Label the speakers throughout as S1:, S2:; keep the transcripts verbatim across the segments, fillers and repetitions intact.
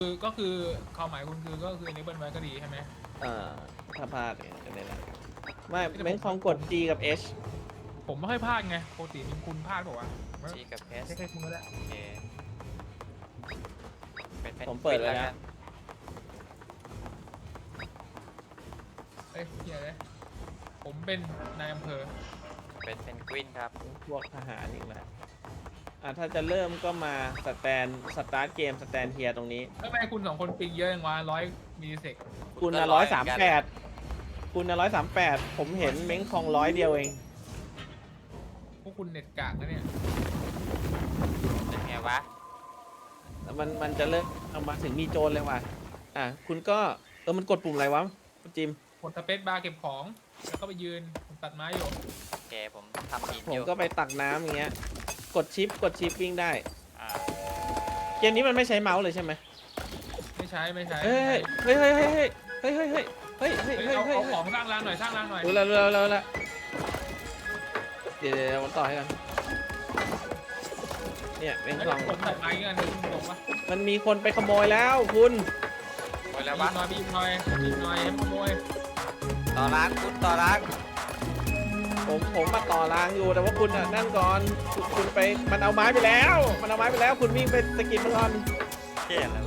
S1: คือก็คือความหมายคุณคือก็คืออันนี้เบิ้ลไว้ก็ดีใช่ไหม
S2: เอ่อถ้าพลาดเนี่ยจะได้ละไม่เม้นคองกด G กับ H
S1: ผมไม่ค่อยพลาดไงปกติมีคุณพลาดบอกว่า
S3: G กับ S
S1: เช็คให้คุณก็ได้
S3: โอเคเป็นเป็น
S2: ผมเปิดไว้
S3: แล้
S2: แล้ว ว
S1: เอ้ยเฮียเลยผมเป็นนายอำเภอ
S3: เป็นเป็นกวินครับ
S2: พวกทหารอีกแล้วอ่ะถ้าจะเริ่มก็มาสแตนสตาร์ทเกมสแตนเฮียตรงนี้
S1: ทำไมคุณสองคนปิงเยอะจังวะร้อยมิลลิเซก
S2: คุณนะร้อยสามแปดคุณนะร้อยสามแปดผมเห็นเม้งคองร้อยเดียวเอง
S1: พวกคุณเน็ตกากนะเนี่ย
S3: เป็นไงวะ
S2: มันมันจะเริ่มเอามาถึงมีโจรเลยว่ะอ่ะคุณก็เออมันกดปุ่มอะไรวะคุณจิม
S1: กดสเปซบาร์เก็บของแล้วก็ไปยืนผมตัดไม้อยู่
S3: โอเคผมทำหิน
S2: ผ
S3: อ
S2: ม
S3: ยู่
S2: ก็ไปตักน้ำอย่างเงี้ยกดชิปกดชิปวิ่งได้
S3: อ่า
S2: เกมนี้มันไม่ใช้เมาส์เลยใช่ไหม
S1: ไม่ใช้ไม่ใช้
S2: เฮ้ยเฮ้ยเฮ้ยเฮ้ยเฮ้ยเฮ้ยเฮ้ยเฮ้ยเฮ้ย
S1: เฮ้ย
S2: เฮ้ย
S1: เอา
S2: เฮ้ย
S1: เอาของสร้างรางหน่อยสร้างรางหน่อย
S2: รู้แล้วรู้แล้วรู้แล้วเดี๋ยวเดี๋ยวผมต่อให้กันเนี่ยเป็น
S1: แล้ว
S2: กล่อง
S1: ผมตัดไม้กันคุณตรงปะ
S2: มันมีคนไปขโมยแล้วคุณ
S3: โอ้ยแล้ว
S1: บี
S3: วะ
S1: บหน่อยบีบหน่อยบีบหน่อยให้ขโมย
S3: ต่อร้านคุณต่อร้าน
S2: ผมผมมาต่อรางอยู่แต่ว่าคุณอ่ะนั่นก่อนคุณคุณไปมันเอาไม้ไปแล้ว มันเอาไม้ไปแล้วคุณวิ่งไปสกิดมันก่อน
S3: เท่แล้ว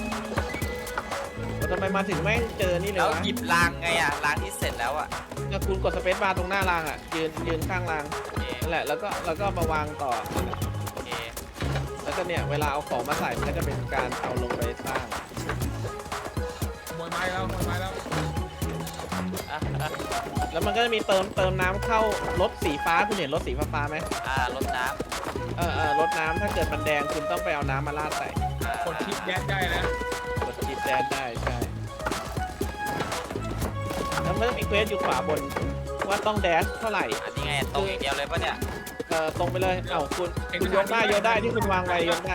S2: แล้วทำไมมาถึงแม่งเจอนี่เล
S3: แล้
S2: ยว วะ
S3: หยิบรางไงอ่ะรางที่เสร็จแล้วอ่ะ
S2: แล้วคุณกดสเปซบาร์ตรงหน้ารางอ่ะยืนยืนข้างราง
S3: โอเค
S2: นั่นแหละแล้วก็แล้วก็มาวางต่อ
S3: โอเค
S2: แล้วก็เนี่ยเวลาเอาของมาใส่มันก็จะเป็นการเอาลงไปสร้าง
S1: ขโมยไม้แล้วขโมยไม้แล้ว
S3: อ่ะอ่ะ
S2: แล้วมันก็จะมีเติมเติมน้ำเข้ารถสีฟ้าคุณเห็นรถสีฟ้าๆไหม
S3: อ่ารดน้
S2: เออเออรถน้ำถ้าเกิดมันแดงคุณต้องไปเอาน้ำมาราดใส่
S3: ำอ่าก
S1: ดชิปแดนได้นะ
S2: กดจีบแดนได้ใช่แล้วมันก็มีเควสอยู่ขวาบนว่าต้องแดชเท่าไหร่
S3: อันนี้ไงตรงอย่างเดียวเลยปะเนี่ย
S2: เออตรงไปเลยเอ้าคุณคุณยกได้ยกได้ที่คุณวางไว้ยกได้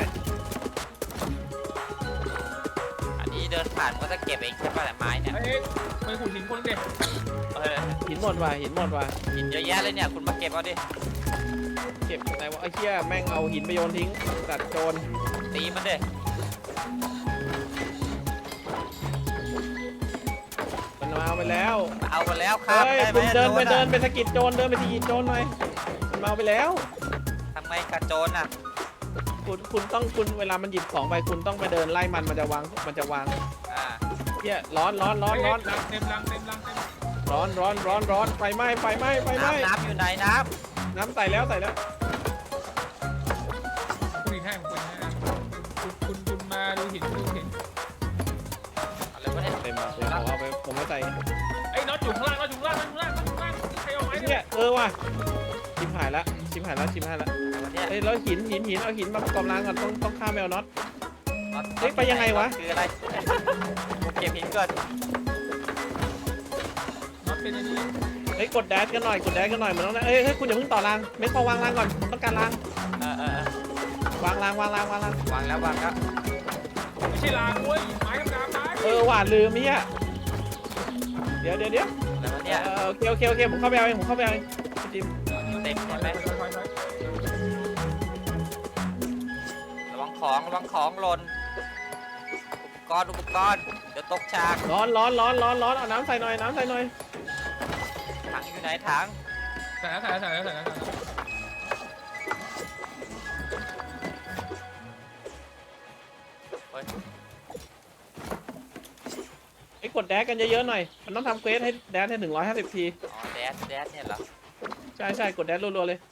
S3: อันนี้เดินผ่านมันก็จะเก็บเองใช่ปะแต่ไม้เนี่ย
S1: เอ้ยไปขุดหินคนเด็ก
S3: เออ
S2: หินหมดว่ะหินหมดว่ะ
S3: หินเยอะแยะเลยเนี่ยคุณมาเก็บเอาดิ
S2: เก็บไหนวะไอ้เหี้ยแม่งเอาหินไปโยนทิ้งตัดโจร
S3: ตีมันดิ
S2: มันมาเอาไปแล้ว
S3: เอาไปแล้วครับ
S2: เฮ้ย
S3: ได้ไหม
S2: คุณเดินไป
S3: โจร
S2: เดิ
S3: อะ
S2: นไปสะกิดโจรเดินไปทีโจรหน่อยมันมาเอาไปแล้ว
S3: ทำไงกับโจรอ่ะ
S2: คุณคุณต้องคุณเวลามันหยิบของไปคุณต้องไปเดินไล่มันมันจะวางมันจะวาง
S3: อ่า
S2: เหี้ยร้อนร้อนร้อนร้อน
S1: รังเต็มรังเต็มรังเต็ม
S2: ร้อนร้อนร้อนร้อนไฟไหม้ไฟไหม้ไฟไหม้
S3: น้ำน้ำอยู่ไหนน้
S2: น้ำใส่แล้วใส่แล้ว
S1: คุณหินให้ผมคุณนะคุณคุณคุณมาดูหินดูหิน
S3: ำอะไรวะเนี่ย
S2: เต็มแล้วผมเอาไปผมไม่ใส่
S1: ไอ้น็อตอยู่ข้างล่างน็อตอยู่ข้างล่างน็อตอยู่ข้างล่างน็อตอยู่ข้างล่างใครเอาไม้
S2: ไอ้
S1: เนี่
S2: เนี่ย ยเออว่ะชิมหายละชิมหายละชิมหายละ
S3: อะไรวะเนี่ย
S2: เอ้ยแล้วหินหินหินเอาหินมาประกอบรางก่อนต้องต้องข้ามแมวน็อต
S3: น็อต
S2: เฮ้ยไปยังไงวะ
S3: คืออะไรผมเก็บหินก่อน
S1: น็อตเป็นอันนี้
S2: เฮ้ยกดแดชกันหน่อยกดแดชกันหน่อยเหมือนต้องนะเอ้ยเฮ้ยคุณอย่าเพิ่งต่อรางไม่พอวางรางก่อนต้องการราง
S3: เออเออเออ
S2: วางรางวางรางวางราง
S3: วางแล้ววางแล้ว
S1: ไม่ใช่รางเว้ยไม้ธรรมดาไม้
S2: เออหวานลืมมี่ะเดี๋ยวเดี๋ยวเดี๋ยว
S3: อะไรวะเนี่ย
S2: เออโอเคโอเคโอเคผมเข้าไปเอาเองผมเข้าไปเอาเองจิม
S3: เต็ม
S1: ถ
S3: เห็
S1: อย
S3: น
S1: ไป
S3: ไหม
S1: ถอยถอยถอย
S3: ระวังของระวังของหล่นอุปกรณ์อุปกรณ์เดี๋ยวตกฉาก
S2: ร้อนร้อนร้อนร้อนร้อนเอาน้ำใส่หน่อยน้ำใส่หน่อย
S3: ถังอยู่ไหนถัง
S1: ใส่แล้วใส่แล้วใส่แล้วใส่แล้วใส่แล้ว
S3: เฮ้ย
S2: ไอ้กดแดชกันเยอะๆหน่อยมันต้องทำเควสให้แดชให้หนึ่งร้อยห้าสิบที
S3: อ๋อแดดแดดเนี่ยเหรอ
S2: ใช่ใช่กดแดชรัวๆเลย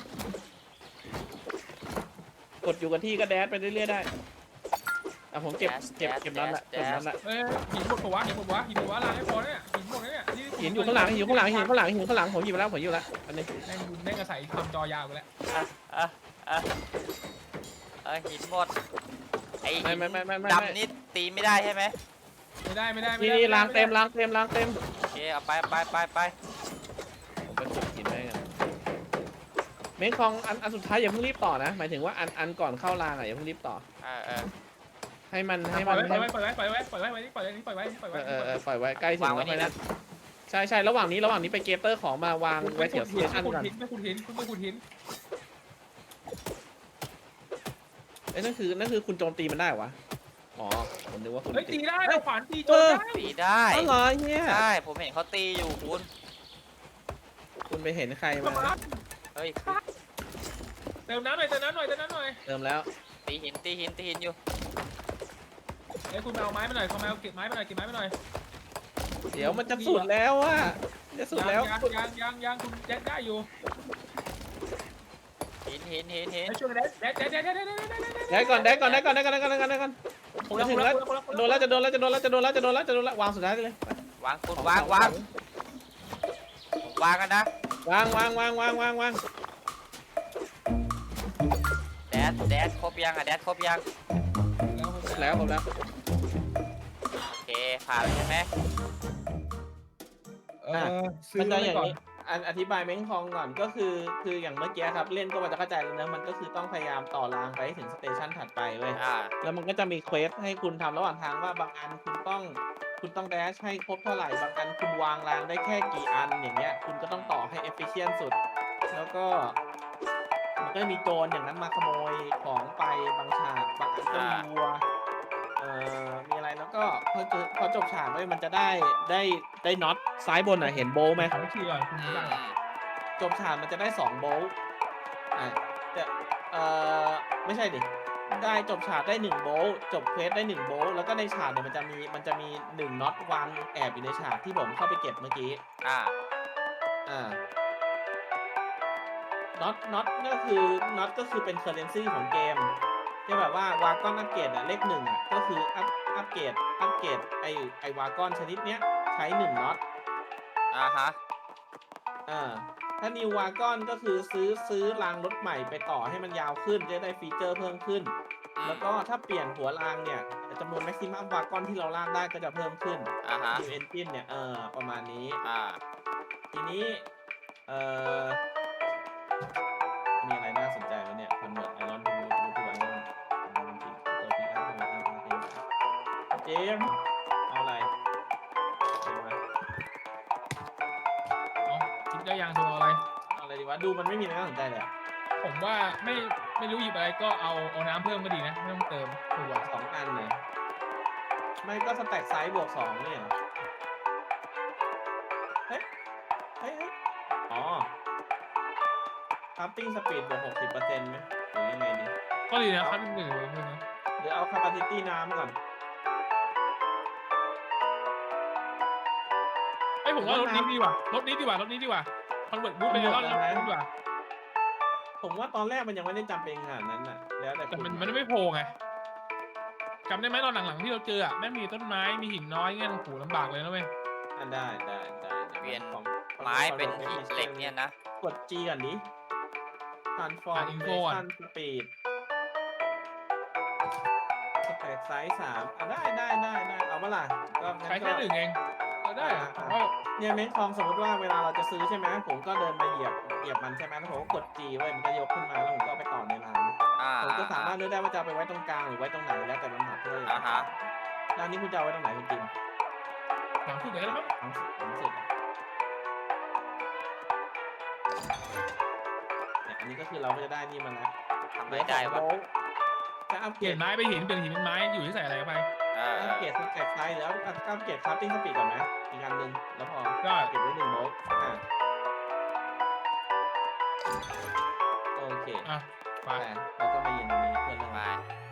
S2: กดอยู่กับที่ก็แดชไปเรื่อยๆได้อ่ะผมเก็บเก็บเก็บนั้นแหละเก็บนั้นแหละ
S1: เอ้ยหินหมดปะวะหินหมดปะวะหินหมดปะวะรางไม่พอเนี่ยหินหมดเลยเนี่ย
S2: หินอยู่ข้างหลังหินอยู่ข้างหลังหินอยู่ข้างหลังหินอยู่ข้างหลังผมหยิบไปแล้วผมหยิบไปแล้วอันนี้
S1: แม่งแม่งอาศัยทำจอยาวไปแล้ว
S3: อ่ะอ่ะอ่ะเออหินหมดไอ้
S2: ไม่ไม่ไม่ไม่ไม่
S3: ดำนี่ตีไม่ได้ใช่ไหม
S1: ไม่ได้ไม่ได้ไม่
S2: นี่
S1: ได้
S2: นี่ล้างเต็มล้างเต็มล้างเต็ม
S3: โอเคเอาไปไปไปไป
S2: ผมไปขุดหินไว้กันเมนคองอันอันสุดท้ายอย่าเพิ่งรีบต่อนะหมายถึงว่าอันอันก่อนเข้ารางอ่ะอย่าเพิ่งรีบต่อ
S3: เออเออ
S2: ให้มันให้
S1: ปล่
S2: มั
S1: อย
S2: น
S1: ไว้
S2: ให้
S1: ปล่อยไว้ปล่อยไว้ปล่อยไว้ปล่อยไว้ปล่อยไว้ปล่อยไว้ปล่อย
S2: เอ
S1: ไว้
S2: อเออเออปล่อยไว้ใกล้ถึงแล้วไปนะใช่ใช่ระหว่างนี้ระหว่างนี้ไปเกเตอร์ของมาวางไว้แถวส
S1: หิ
S2: เต
S1: น
S2: ชัน
S1: ไม่ขุด
S2: ก่อน
S1: หินไม่ขุดหินคุณไม่ขุดหิน
S2: เอ้ยนั่นคือนั่นคือคุณโจมตีมันได้เหรอวะอ๋อผมนึกว่าคุณ
S1: เฮ้ยตีได้
S2: เฮ้ย
S1: เอาขวานตีโจ
S2: เอ
S1: ร
S2: อ
S1: ได้
S3: ตีได้
S2: อ๋อเหรอเนี่ย
S3: ใช่ผมเห็นเขาตีอยู่คุณ
S2: คุณไปเห็นใคร
S1: ประ
S2: มา
S1: มาณ
S3: เฮ้ย
S1: เติมน้ำหน่อยเติมน้ำหน่อยเติมน้ำหน่อย
S2: เติมแล้ว
S3: ตีหินตีหินตีหินอยู่
S1: เฮ้ยคุณไปเอาไม้มาหน่อยคุณไปเอาเก็บไม้มาหน่อยเก็บไม้มาหน่อย
S2: เดี๋ยวมันจะสุดแล้วอ่ะจะสุดแล้ว
S1: ยังยังยังยังคุณแดดได้อยู่
S3: หินหินหินหิน
S1: ให้ช่วยแดดแดดแดดแดดแดดแดดแดด
S2: ได้ก่อนได้ก่อนได้ก่อนได้ก่อนได้ก่อนได้ก่อนได้ก่อน
S1: ผม
S2: จะ
S1: แล้ว
S2: ถึ
S1: ผม
S2: ง
S1: แล้
S2: แล้ว ว
S1: ผมแล้วผม
S2: โดนแล้วจะโดนแล้วจะโดนแล้วจะโดนแล้วจะโดนแล้วจะโดนแล้ววางสุดท้ายเลย
S3: วางคุณวางวางผมวางกันนะ
S2: วางวางวางวางวางวาง
S3: แดดแดดครบยังอะแดดครบยัง
S2: แล้วผมแล้ว
S3: โอเคผ่านแล้วใช่ไหม
S1: เออซื้
S2: มัน
S1: อ
S2: จะ
S1: ไว้
S2: อย่าง
S1: ก่อน
S2: นี้อันอธิบายเม้งคองก่อนก็คือคืออย่างเมื่อกี้ครับเล่นก็มันจะเข้าใจแล้วนะมันก็คือต้องพยายามต่อรางไปให้ถึงสเตชันถัดไปเว้ย
S3: อ่า
S2: แล้วมันก็จะมีเควสให้คุณทำระหว่างทางว่าบางอันคุณต้องคุณต้องแดชให้ครบเท่าไหร่บางอันคุณวางรางได้แค่กี่อันอย่างเงี้ยคุณก็ต้องต่อให้เอฟฟิเชนสุด แล้วก็มันก็จะมีโจรอย่างนั้นมาขโมยของไปบางฉากบางอันก็มีวัวเอ่อมีอะไรแล้วก็พอเจอพอจบฉากเว้ยมันจะได้ได้ได้น็อตซ้ายบนอ่ะเห็นโบว์ไหม
S1: ขอทีก่อนคุณ
S3: อื
S1: รู้
S3: ม
S1: จัก
S3: อืม
S2: จบฉากมันจะได้สองโบลต์อ่ะจะเอ่อไม่ใช่ดิ ได้จบฉากได้หนึ่งโบลต์จบเควสได้หนึ่งโบลต์แล้วก็ในฉากเนี่ยมันจะมีมันจะมีหนึ่งน็อตวางแอบอยู่ในฉากที่ผมเข้าไปเก็บเมื่อกี้
S3: อ่า
S2: อ่า น็อต น็อตก็คือ น็อตก็คือเป็นเคอร์เรนซีของเกมที่แบบว่าวากอนอัปเกรดอะเลขหนึ่งอะก็คืออัพอัปเกรดอัปเกรดไอไอวากอนชนิดเนี้ยใช้หนึ่งน็อต
S3: อ่าฮะ
S2: อ่า ถ้านิววากอนก็คือซื้อซื้อรางรถใหม่ไปต่อให้มันยาวขึ้นจะได้ฟีเจอร์เพิ่มขึ้น
S3: อืม
S2: แล้วก็ถ้าเปลี่ยนหัวรางเนี่ยจำนวนแม็กซิมัมวากอนที่เราลากได้ก็จะเพิ่มขึ้น
S3: อ่าฮะ
S2: นิวเอนจินเนี่ยเออประมาณนี้
S3: อ่า
S2: ทีนี้เอ่อมีอะไรน่าสนใจไหมเนี่ยคอนเวิร์ตไอรอนทูทูทูไอรอนตัวพิกอัพตัวพิกอัพเจมส์เอาอะไรเอามา
S1: เอาคิดได้ยังตัวอะไร
S2: เอาอะไรดีวะดูมันไม่มีอะไรน่าสนใจเลยอะ
S1: ผมว่าไม่ไม่รู้หยิบอะไรก็เอาเอาน้ำเพิ่มก็ดีนะไม่ต้องเติมตัว
S2: สองอันเลยไม่ก็สแต็กไซส์บวกสองเนี่ยเหรอเฮ้ยเฮ้ยเฮ้ยอ๋อคัพติ้งสปีดบวกหกสิบเปอร์เซ็นต์ไหมหรือยังไงดี
S1: ก็ดีนะครับหนึ่งเลยนะ
S2: หรือเอาคาปาซิตี้น้ำก่อน
S1: ไอยผมว่ารถนี้ดีกว่ารถนี้ดีกว่ารถนี้ดีกว่าคอนเวิร์ตบูทเป็นรถนี้ดีกว่า
S2: ผมว่าตอนแรกมันยังไม่ได้จำเป็นขนาดนั้นน่ะ แล้วแต่
S1: แต่
S2: คุณ
S1: มันมันไม่โผล่ไงจำได้ไหมตอนหลังๆที่เราเจออ่ะแม่งมีต้นไม้มีหินน้อยเงี้ยโอ้โหลำบากเลยนะเว้ย
S2: อ่ะได้ได้ได้ได้
S3: เปลี่ยน
S2: ของของ
S3: ไม้เป็น
S2: ของ
S3: หินเหล็กเนี่ยนะ
S2: กด G ก่อนดิ transformation speed สเปซไซส์สามอ่ะได้ได้ได้ได้เอามาล่ะก็งั้น
S1: ใช้
S2: ก็
S1: แค่หนึ่งเองก็ได้อะผมว่า
S2: เนี่ยเม้นทองสมมติว่าเวลาเราจะซื้อใช่ไหมผมก็เดินไปเหยียบเหยียบมันใช่ไหมแล้วผมก็กด G ไว้มันก็ยกขึ้นมาแล้วผมก็เอาไปต่อในร้าน
S3: อ่า
S2: ผมก็สามารถเลือกได้ว่าจะเอาไปไว้ตรงกลางหรือไว้ตรงไหนแล้วแต่ลำดับเลย
S3: อ่าฮะ
S2: ร้านนี้คุณจะเอาไว้ตรงไหนคุณจิม
S1: หลังสุดเลยแล้วมั้ง
S2: หลังสุดหลังสุดอ่ะเนี่ยอันนี้ก็คือเราก็จะได้นี่มาแล้ว
S3: ทำไม่ได้วะ
S2: จะอัป
S1: เป
S2: เกร
S1: ลี่ย
S2: ด
S1: นไม้ไปหินเปลี่ยนหินเป็นไม้อยู่ที่ใส่อะไรเข้าไป
S3: เออ
S2: อัปเกรดสแต็กไซส์แล้วอัปเกรดคราฟติ้งสปีดก่อนไหมอีกอันหนึ่งแล้วพอ
S1: ได้
S2: เก็บไว้หนึ่งโบลต์อ่ะโอเค
S1: อ่ะไป
S2: ไปแล้วก็มายืนตรงนี้เพื่อนเรื่อง
S3: ไป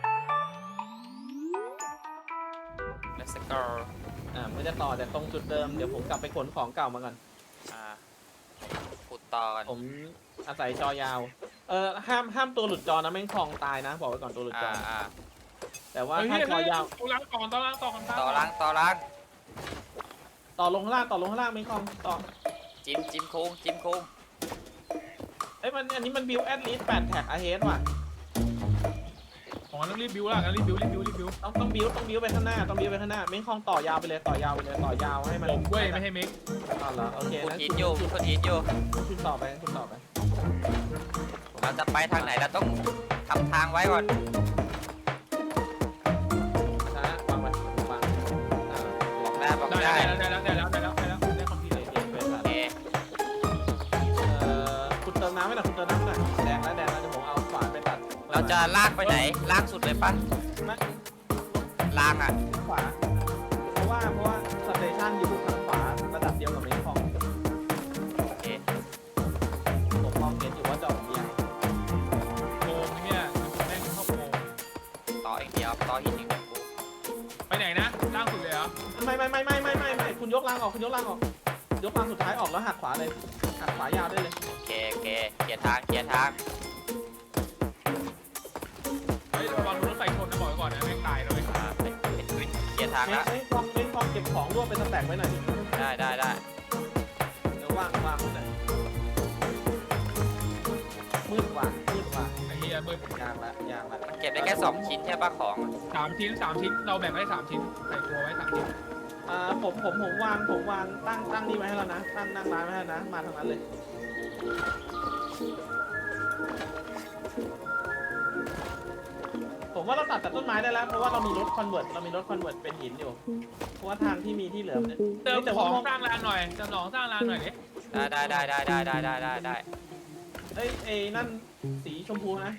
S3: let's go
S2: อ่าไม่จะต่อแต่ตรงจุดเดิมเดี๋ยวผมกลับไปขนของเก่ามาก่อน
S3: อ่าขุดต่อกัน
S2: ผมอาศัยจอยาว เออห้ามห้ามตัวหลุดจอนะแม่งคลองตายนะ บอกไว้ก่อนตัวหลุดจ
S3: อ่า
S2: อ
S3: อ่า
S2: แต่ว่า
S1: เฮ้ย
S2: ถ้า
S1: เฮ้ย
S2: จอยาว
S1: ต่อล้างก่อนต่อล้างต่อกัน
S3: ต่อล้างต่อล้าง
S2: ต่อลงข้างล่างต่อลงข้างล่างแม่งคลองต่อ
S3: จิ้มจิ้มโค้งจิ้มโค้ง
S2: เอ้ยมันอันนี้มันบิวแอดลิสแปดแท็กอาเฮดว่ะ
S1: อ๋อต้องรีบบิวละงั้นรีบบิวรีบบิวรีบบิว
S2: ต้องต้องบิวต้องบิวไปข้างหน้าต้องบิวไปข้างหน้าแม่งคลองต่อยาวไปเลยต่อยาวไปเลยต่อยาวให้มัน
S1: ผมเว้ยไม่ให้เมก
S2: อ๋อเหรอโอเค
S3: ขุด
S2: งั้น
S3: หิน
S2: คุณ
S3: อยู่
S2: คุณ
S3: ขุดหินอยู่
S2: คุณต่อไปคุณต่อไป
S3: เราจะไปทางไหนเราต้องทำทางไว้ก่อน
S2: ช้าวางไว้วางอ่า
S3: บอกได้บอก
S1: ได้
S3: ได้
S1: ได้แล้วได้แล้วได้แล้วได้แล้วได้แล้วได้คอมพิวเตอร์
S2: เอ็นเวส
S3: โอเค
S2: เอ่อคุณเติมน้ำไหมล่ะคุณเติมน้ำหน่อยแดงแล้วแดงแล้วเดี๋ยวผมเอาขวานไปตัด
S3: เราจะลากไปไหนลากสุดเลยปะ
S2: ไม่
S3: ลางอ่ะ
S2: ไขวาเพราะว่าเพราะว่าสเตชันอยู่ทางขวาระดับเดียวกับเมนคอง
S3: โอเค
S2: ผมมองเห็นอยู่ว่าจะออกเบียร์
S1: โกงเนี่ยแม่งเข้าโกง
S3: ต่ออีกเดียวต่อหินอีกเดียวกู
S1: ไปไหนนะล่างสุดเลยเหรอ
S2: ไม่ไม่ไม่ไม่ไม่ไม่ไม่คุณยกรางออกคุณยกรางออกยกรางสุดท้ายออกแล้วหักขวาเลยหักขวายาวได้เลย
S3: โอเคโอเคเคลียร์ทางเคลียร์ทาง
S1: เฮ้ยระวังรถไฟชนนะบอกไว้ก่อนนะแม่งตายแล้วเว้ย
S3: อ่าเป็นเป็นวินเคลียร์ทาง
S2: เม
S3: แล้ว
S2: นคองเมนคองเก็บของรวบเป็นสแต็กไว้หน่อย
S3: ได้ได้ได้
S2: เดี๋ยวว่างว่างไว้หน่อยมืดว่ะมืดว่ะ
S1: ไอ้เหี้ยเบิร์ด
S2: ยางละยางละ
S3: มันเก็บได้แค่สองชิ้นใช่ปะของ
S1: สามชิ้นสามชิ้นเราแบ่งไว้สามชิ้นใส่ตัวไว้สามชิ้น
S2: อ่าผมผมผมวางผมวางตั้งตั้งนี่ไว้ให้แล้วนะตั้งนั่งร้านไว้ให้นะมาทางนั้นเลยผมว่าเราตัดแต่ต้นไม้ได้แล้วเพราะว่าเรามีรถคอนเวิร์ตเรามีรถคอนเวิร์ตเป็นหินอยู่เพราะว่าทางที่มีที่เหลือเนี่ย
S1: เติม
S2: แต่
S1: ข
S2: ว่า
S1: องสร้างรางหน่อยเติมของสร้างรางหน่อยดิ
S3: ได้ได้ได้ได้ได้ได้ได้ได้ได้
S2: เอ้ยเอ้ยนั่นสีชมพูนะ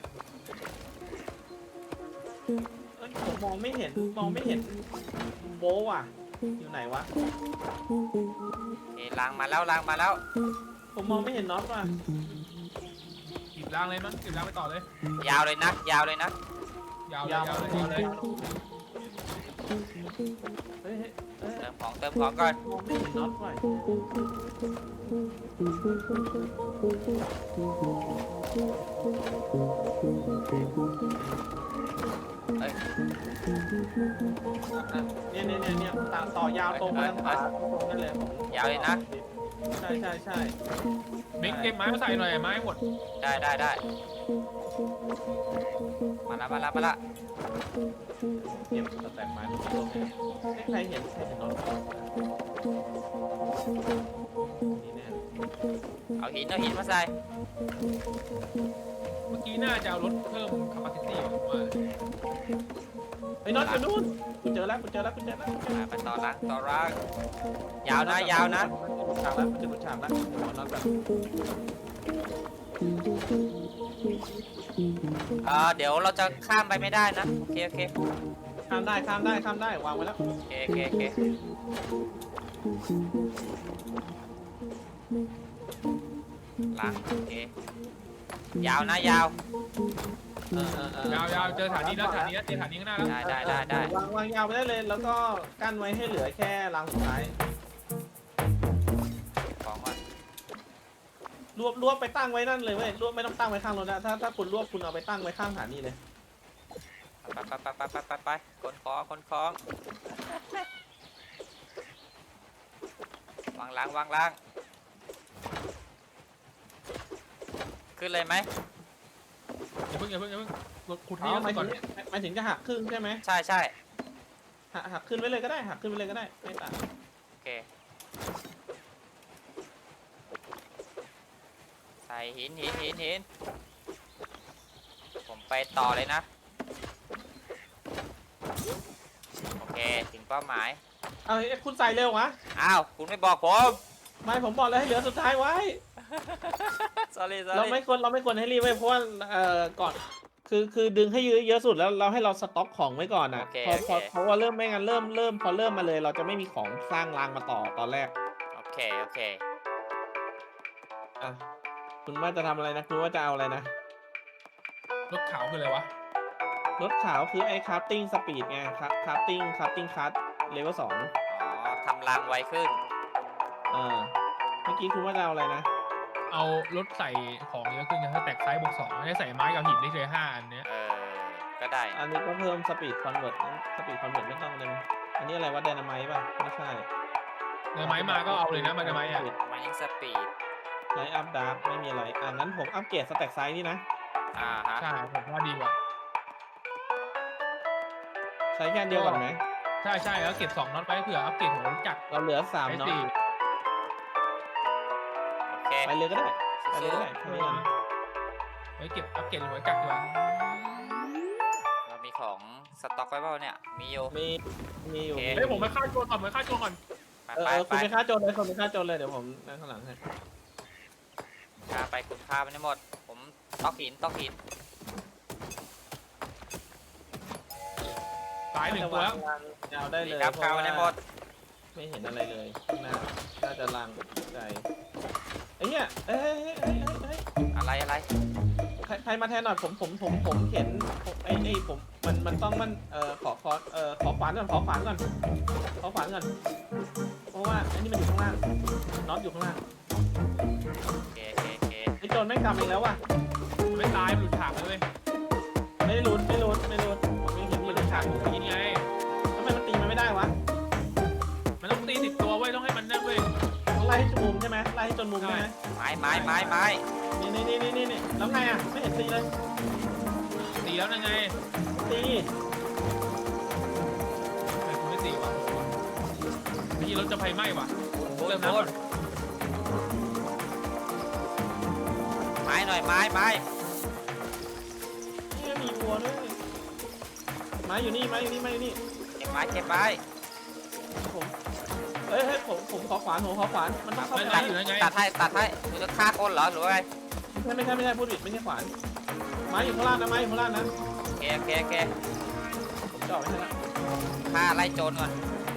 S2: เอ้ยผมมองไม่เห็นมองไม่เห็นโบว่ะอยู่ไหนวะ
S3: เอ้ยล้างมาแล้วล้างมาแล้ว
S2: ผมมองไม่เห็นน็อตว่ะ
S1: หยิบรางเลยมั้งหยิบรางไปต่อเลย
S3: ยาวเลยนะยาวเลยนะ
S1: ยาวเลยยาวเลยยาวเลย
S2: เฮ้ยเฮ้ยเฮ้ย
S3: เติมของเติมของก่อน
S2: มองไม่เห็นน็อตว่ะ
S3: เอ้ย
S2: อ่ะเนี่ยเนี่ยเนี่ยเนี่ยต่อต่อยาวตรงไปทางขวาตรงนั่นเลยผม
S3: ยาวเลยนะ
S2: ใช่ใช่ใช่
S1: มิกเก็บไม้มาใส่หน่อยไม้หมด
S3: ได้ได้ได้มาละมาละมาละ
S2: เก็บสแต็กไม้ทุกตัวเลยไม่ใครเห็นใครเห็นน็อตนี่แน่
S3: เอาหินเอาหินมาใส่
S1: เมื่อกี้น่าจะเอารถเพิ่ม capacity ผมว่า
S2: ไอ้น็อตอยู่นู่นกูเจอแล้วกูเจอแล้วกูเจอแล้ว
S3: อ่าไปต่อล้างต่อล้างยาวนะยาวนะ
S2: ฉากแล้วมันจะหลุดฉากแล้วหัวน็อตแบบ
S3: เอ่อเดี๋ยวเราจะข้ามไปไม่ได้นะโอเคโอเค
S2: ข้ามได้ข้ามได้ข้ามได้วางไว้แล้ว
S3: โอเคโอเคโอเคล้างโอเคยาวนะยาว
S2: เออเออเออย
S1: าวยาวเจอฐานนี้แล้วฐานนี้แล้วเจอฐานนี้ข้างหน้าแล้ว
S3: ได้ได้ได้ได้
S2: วางวางยาวไปได้เลย แล้วก็กั้นไว้ให้เหลือแค่รางสุดท้าย
S3: ของก่อน
S2: รวบรวบไปตั้งไว้นั่นเลยเว้ยรวบไม่ต้องตั้งไว้ข้างรถนะถ้าถ้าคุณรวบคุณเอาไปตั้งไว้ข้างสถานีเลย
S3: ไปไปไปไปไปไปไปคนของคนของวางล้างวางล้างขึ้นเลยไหม
S1: อย่าเพิ่งอย่าเพิ่งอย่าเพิ่งรถขุด
S2: อ๋
S1: นี่
S2: อหมาย
S1: ก่
S2: ถึ
S1: อน
S2: งหมายถึงจะหักครึ่งใช่ไหม
S3: ใช่ใช่
S2: หักหักขึ้นไว้เลยก็ได้หักขึ้นไว้เลยก็ได้ไม่ต่าง
S3: โอเคใส่หินหินหินหินผมไปต่อเลยนะโอเคถึงเป้าหมาย
S2: เอาเอ้ยคุณใส่เร็ววะ
S3: อ้าวคุณไม่บอกผม
S2: ไม่ผมบอกแล้วให้เหลือสุดท้ายไว้
S3: sorry
S2: เรา
S3: sorry
S2: ไม่ควรเราไม่ควรให้รีบไว้เพราะว่าเอ่อก่อนคือคือดึงให้เยอะเยอะสุดแล้วเราให้เราสต็อกของไว้ก่อนนะ
S3: โอเค
S2: พอ
S3: โอ
S2: พ
S3: เค
S2: อเพราะว่าเริ่มไม่งั้นเริ่มเริ่มพอเริ่มมาเลย เราจะไม่มีของสร้างรางมาต่อตอนแรก
S3: โอเคโอเค
S2: อ่ะคุณว่าจะทำอะไรนะคุณว่าจะเอาอะไรนะ
S1: รถขาวคืออะไรวะ
S2: รถขาวคือไอ้คราฟติ้งสปีดไงครับคราฟติ้งคราฟติ้งคัทเลเวลสอง
S3: อ๋อทำรางไวขึ้น
S2: อ่าเมื่อกี้คุณว่าจะเอาอะไรนะ
S1: เอารถใส่ของเยอะขึ้นนะถ้าแตกไซส์บวกสองได้ใส่ไม้กับหินได้เลยห้าอันเนี้ย
S3: เออ ก็ได้
S2: อันนี้ก็เพิ่มสปีดคอนเวิร์ตสปีดคอนเวิร์ตไม่ต้องเลยอันนี้อะไรวะไดนาไมต์ป่ะไม่ใช่
S1: เนื้อไม้มาก็เอาเลยนะมันจะไม้อะ
S3: mining speed
S2: ไลท์อัพดาร์กไม่มีอะไรอ่างั้นผมอัปเกรดสแต็กไซส์นี่นะ
S3: อ่าฮะ
S1: ใช่ผมว่าดีกว่า
S2: ใช้แค่อันเดียวก่อนไหม
S1: ใช่ใช่แล้วเก็บสองน็อตไปเผื่ออัปเกรดของรถจักร
S2: เราเหลือสาม
S1: ไอ้
S2: เนาะ
S1: สี่
S3: โอเค
S2: ไปเลยก็ได้ไปเลย
S3: สู้
S2: ก็ได้แค่นี้ก่อน
S1: ไว้เก็บอัปเกรดหัวจักรดีกว่า
S3: ๆเรามีของสต็อกไว้เปล่าเนี่ย มีอยู่
S2: มีมีอยู่
S3: โอเค
S1: เฮ้ยผมไปฆ่าโจรก่อนผมไปฆ่าโจรก่อน
S3: ไป
S2: เออ
S3: ไป
S2: เออ
S3: ไป
S2: คุณไปฆ่าโจรเลยคุณไปฆ่าโจรเลยเดี๋ยวผมนั่งข้างหลังให้
S3: ฆ่าไปคุณฆ่ามันให้หมด ผมตอกหินตอกหิน
S1: ตายหนึ่งตัวแล้ว
S2: วางยาวได้เลย
S3: ครับ
S2: เพ
S3: ข้าว
S2: ราะ
S3: ใน
S2: ว่า
S3: หมด
S2: ไม่เห็นอะไรเลยน่าน่าจะลังใจไอ้เนี่ยเอ้ยเอ้ยเอ้ยเอ้ยเอ้ย
S3: อะไรอะไร
S2: ใครใครมาแทนหน่อยผมผมผมผมเห็นผมไอ้ไอ้ผมมันมันต้องมันเอ่อขอขอเอ่อขอขวานก่อนขอขวานก่อนขอขวานก่อนเพราะว่าอันนี้มันอยู่ข้างล่างน็อตอยู่ข้างล่าง
S3: โอเคโอเคโอเค
S2: ไอ้โจรไม่งกำเองแล้วว่ะ
S1: ไม่ตายมันหลุดฉากเลยเว้ย
S2: ไม่ได้ลุ้นไม่ลุ้นไม่ลุ้นผมยังเห็น
S1: มั
S2: มัน น
S1: หลุ
S2: เป็น
S1: ดฉา
S2: ฉาก ก
S1: อยู่นี่ไง
S2: ทำไมมันตีมันไม่ได้วะ
S1: มันต้องตีติดตัวเว้ยต้องให้มันนั่นเว้ย
S2: ต้องไล่ให้จนมุมใช่ไหมไล่ให้จนมุมใช่ไหม
S3: ไม้ไม้ไม้ไม้
S2: นี่นี่นี่นี่นี่นี่แล้วไงอ่ะไม่เห็นตีเลย
S1: ตีแล้วนั่นไง
S2: ตี
S1: ไอ้คุณไม่ตีวะเมื่อกี้รถจะไฟไหม้ว่ะ
S3: โอ้ย
S1: เริ่ม
S3: โอ้
S1: น้ำ
S3: ยไม้หน่อยไม้ไม้
S2: นี่มีวัวด้วยไม้อยู่นี่ไม้อยู่นี่ไม้อยู่นี่
S3: เก็บไม้เก็บไม้
S2: ผมเอ้ยเฮ้ยผมผมขอขวานผมขอขวานมันต้องเข้า
S1: ไม่
S2: ไป
S1: ได้อยู่นั่นไง
S3: ตัดให้ตัดให้มึงจะฆ่าคนเหรอหรือว่าไง
S2: ไม่ใช่ไม่ใช่ไม่ใช่พูดผิดไม่ใช่ขวานไม้อยู่ข้างล่างนะไม้อยู่ข้างล่างนะ
S3: โอเคโอเคโอเค
S2: ผมจ่อไม่ใช่ละ
S3: ฆ่าไล่โจรก่อน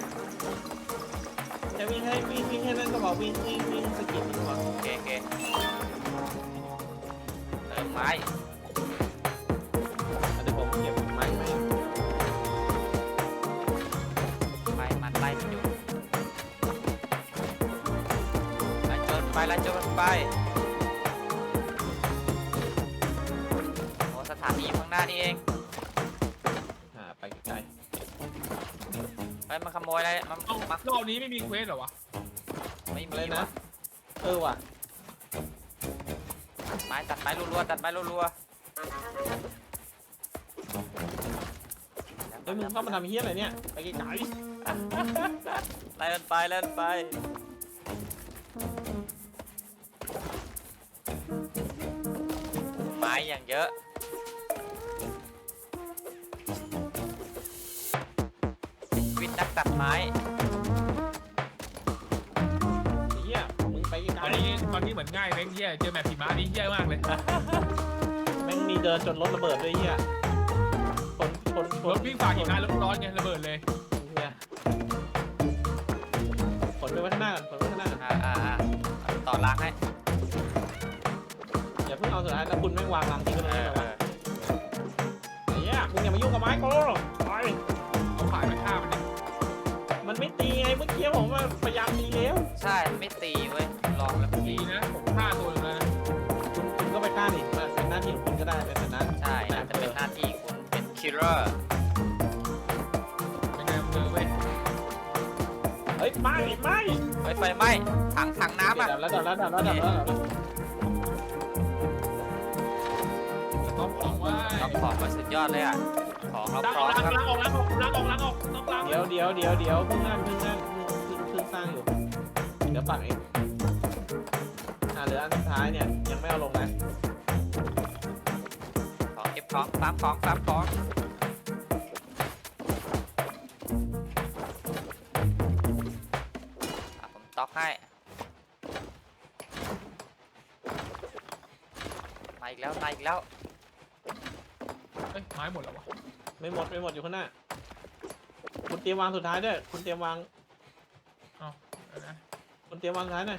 S2: จะวิ่งให้วิ่งวิ่งให้นั่นก็บอกวิ่งวิ่งวิ่งสกิปดีกว่า
S3: โอเคโอเคเติมไม้
S2: เดี๋ยวผมเก็บไม้ไม้
S3: ไม้มันไล่มันอยู่ไล่โจรไปไล่โจรไปโอ้สถานีอยู่ข้างหน้านี่เอง
S2: อ่าไปไกล
S3: ไปมาขโมยอะไรมา
S1: เอ้า
S3: มา
S1: รอบนี้ไม่มีเควสเหรอวะ
S3: ไม่
S2: ๆ
S3: มี
S2: อะไร
S3: วะ
S2: นะเออว่ะ
S3: ไม้ตัดไม้รัวๆตัดไม้รัว
S2: เฮ้ยมึงเข้ามาทำเฮี้ยอะไรเนี่ยไปไกล
S3: ๆไล่มันไปไล่มันไปไม้อย่างเยอะวิทย์นักตัดไม้
S2: ๆเฮี้ยมึงไปไก
S1: ต
S2: ล
S1: อนนี้ตอนนี้เหมือนง่ายแม่งเหี้ยเจอแมปผีม้านี่เหี้ยมากเลย
S2: ๆแม่งมีเดินจนรถระเบิดด้วยเฮี้ยคนคนค
S1: ร
S2: น
S1: ถวิ่งฝ่าหิมะรถร้อนไงระเบิดเลย
S2: เฮี้ยขนไปไว้ข้างหน้าก่อนขนไปข้างหน้าก่อน
S3: อ่าอ่าอ่าต่อล้างให้
S2: อย่าเพิ่งเอาสุดท้ายแล้วคุณแม่งวางรังทิ้งไว้ตรง
S3: เอ
S2: นี้
S3: อ
S2: แบบ
S3: เอ
S2: ว่า
S3: อ
S2: ไอ้เหี้ยมึงอย่ามายุ่งกับไม้กูไป
S1: เอาขายไปฆ่ามันดิ
S2: มันไม่ตีไงเมื่อกี้ผมว่าพยายามตีแล้ว
S3: ใช่ไม่ตีเว้ยลองแล้วไม่
S1: ดี
S3: ตี
S1: นะผมฆ่าตัวหนึงแล้วนะ
S2: คุณคุณก็ไปฆ่าดิมันเป็นหน้าที่ของคุณก็ได้ในฐานะ
S3: ใช่อาจจะเป็นหน้าที่คุณเป็นคิลเลอร์
S1: เป็นไงมึงเจอเว้ย
S2: เฮ้ยไม่ไม่
S3: เฮ้ยไฟไหม้ถังถังน้ำอ่ะ
S2: ดับแล้วดับแล้วดับแล้วดับแล้วดับแล้ว
S1: สต็อปของไว้
S3: ต้องของมาสุดยอดเลยอ่ะของเรา
S1: ล้าง
S3: พ
S1: อ
S3: ร้
S1: อ
S3: อก ม
S1: ล้าง
S3: ครับ
S1: ล้างออกล้างออกล้างออกล้างออกต้องล้าง
S2: เดี๋ยวเดี๋ยวเดี๋ยวเดี๋ยวเพิ่งนั่นเพิ่งนั่นเพิ่งเพิ่งเพิ่งสร้างอยู่เดี๋ยวปักเองอ่าเหลืออันสุดท้ายเนี่ยยังไม่เอาลงนะ
S3: ของเก็บของตามของตามของอ่ะผมตอกให้มาอีกแล้วมาอีกแล้ว
S1: เอ้ยไม้หมดแล้ววะ
S2: ไม่หมดไม่หมดอยู่ข้างหน้าคุณเตรียมวางสุดท้ายด้วยคุณเตรียมวาง
S1: เดี๋ยวนะ
S2: คุณเตรียมวางสุดท้ายหน่อย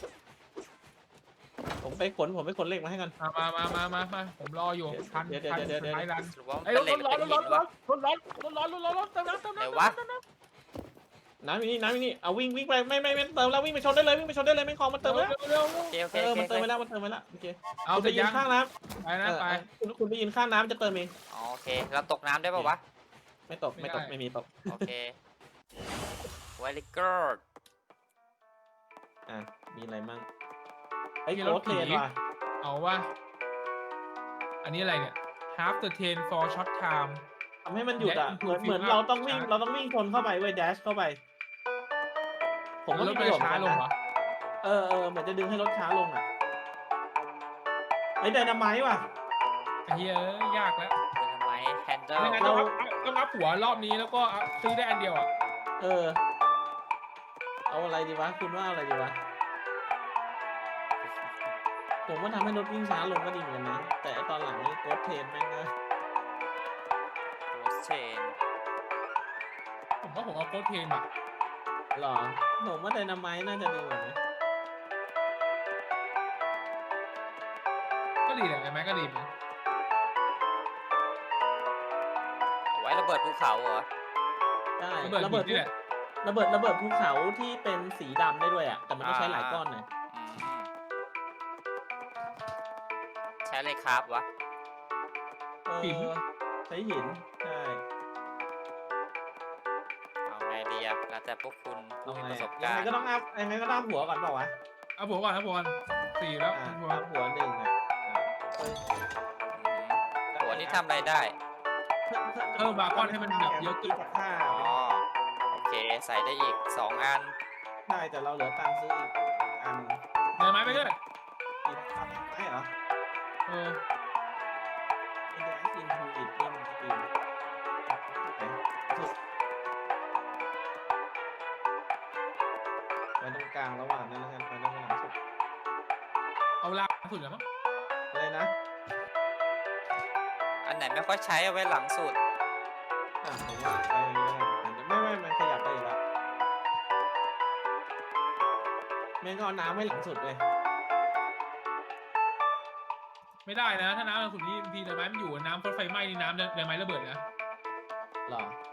S2: ผมไปขนผมไปขนเหล็กมาให้กัน
S1: มามามามามาผมรออยู่ทัน
S2: เดี๋ยวเดี๋ยว
S1: ทัน
S2: เดี๋ยวเดี๋ยว
S1: ท้ายรัน
S3: หรือว่ามัน
S1: ไอ้
S3: เป็
S1: ร
S3: น
S1: ถ
S3: เหล็ก
S1: ร้
S3: ห
S1: อ
S3: รื
S1: น
S3: อ
S1: ร
S3: เป็น
S1: ถ
S3: หิ
S1: ร้อน นรถร้อนรถร้อนรถร้อนรถเติมน้ำเติมน้ำ
S3: ไหนวะ
S1: เติมน้ำ
S2: น้ำอยู่นี่น้ำอยู่นี่เอาวิ่งวิ่งไปไม่ไม่ไม่เติมแล้ววิ่งไปชนได้เลยวิ่งไปชนได้เลยไม่คลองมันเติมแล้ว
S1: เร็วเร็ว
S3: โอเคโอเค
S2: เอ
S3: โอ
S2: อ
S3: เค
S2: มันเติมไปแล้วมันเติมไปแล้วโอเค
S1: เอา
S2: คุณ
S1: แต่
S2: ไปยื
S1: ยั
S2: น
S1: ง
S2: ข้างน้
S1: ไป
S2: ำ
S1: นะไป
S2: เออคุณคุณไปยืนข้างน้ำจะเติมเอง
S3: อ๋อโอเคเราตกน้ำได้ป่าวะ
S2: ไม่ตกไม่ตกไม่มีตก
S3: โอเค very good
S2: อ่ะมีอะไรมั่งไอ้โค้ดเทรนว่ะ
S1: เอาว่าอันนี้อะไรเนี่ย half the train for short time
S2: ทำให้มันหยุดอ่ะ
S1: และ
S2: เหมือน
S1: improve
S2: เหมือนเราต้องวิ่ง
S1: ช้า
S2: เราต้องวิ่งชนเข้าไปเว้ยแดชเข้าไป ผมว่า
S1: แล้
S2: มี
S1: ว
S2: ประ
S1: มัน
S2: โยชน์
S1: ช้า
S2: เหมื
S1: ล
S2: อน
S1: ง
S2: กัน
S1: เหร
S2: นะ
S1: อ
S2: เออเออเหมือนจะดึงให้รถช้าลงอ่ะไอ้ไดนาไมต์ว่ะ
S1: ไอ้เหี้ยเอ้ยยากแล้ว
S3: จะทำไมแฮนเดิล
S1: ไม่งั้นต้องอัพต้องอัพหัวรอบนี้แล้วก็อัพซื้อได้อันเดียวอ่ะ
S2: เออ เอาอะไรดีวะคุณว่าเอาอะไรดีวะผมว่าทำให้รถวิ่งช้าลงก็ดีเหมือนกันนะแต่ไอ้ตอนหลังนี่โค้ดเทรนแม่งนะ
S3: โรสเชน
S1: ว่าผมเอาโค้ดเทนอ่ะ
S2: หรอผมว่าไดนาไมต์น่าจะดีกว่านะ
S1: ก็ดีแหละไอ้ไม้ก็ดีเหมือนกัน
S3: เอาไว้ระเบิดภูเขาเหรอ
S2: ได้
S1: ระเบิด
S2: ระเบิด
S1: หินนี่แหละ
S2: ระเบิดระเบิดภูเขาที่เป็นสีดำได้ด้วยอ่ะแต่มันต้องใช้หลายก้อนหน่อย
S3: อืมใช้อะไรครับวะ
S2: เออใช้หินใช่
S3: เอาไงดีอะแล้วแต่พวกคุณผู้
S2: เอา
S3: มี
S2: ไง
S3: ประสบ
S2: ยั
S3: กาง ร
S2: ไง
S3: ณ์
S2: ก็ต้องอัพยังไงก็ต้องหัวก่อนเปล่าวะ
S1: เอาผมก่อนเอาผมก่อนสี่แล้ว
S2: อ่า
S1: ผม
S2: อัพหัวหนึ่งอ่ะอ่าเฮ้ย
S3: อืมหัวนี่ทำอะไรได้
S1: เพิ่มมาก้อนให้มันแบบเยอะขึ้น
S2: กับค่า
S3: อ๋อ โอเค ใส่ได้อีกสองอัน
S2: ใช่แต่เราเหลือตังค์ซื้ออีกอัน
S1: เดินไม้ไปด้วย
S2: อีกอันไม่เหรอ
S1: เออ
S2: อินเดียอินทูอิตอินอินไว้ตรงกลางระหว่างนั้นแล้วกันไปตรงกลางสุด
S1: เอาล่างสุดแล้วมั้ง
S2: อะไรนะ
S3: อันไหนไม่ค่อยใช้เอาไว้หลังสุด
S2: อ่ะผมว่าไปอย่างนี้แล้วกันไม่ไม่มันขยับไปอีกแล้วแม่งก็เอาน้ำไว้หลังสุดเลย
S1: ไม่ได้นะ ถ้าน้ำสุดนี้ทีเดินไม้มันอยู่น้ำรถไฟไหม้นี่น้ำเดินไม้ระเบิดนะ
S2: หรอ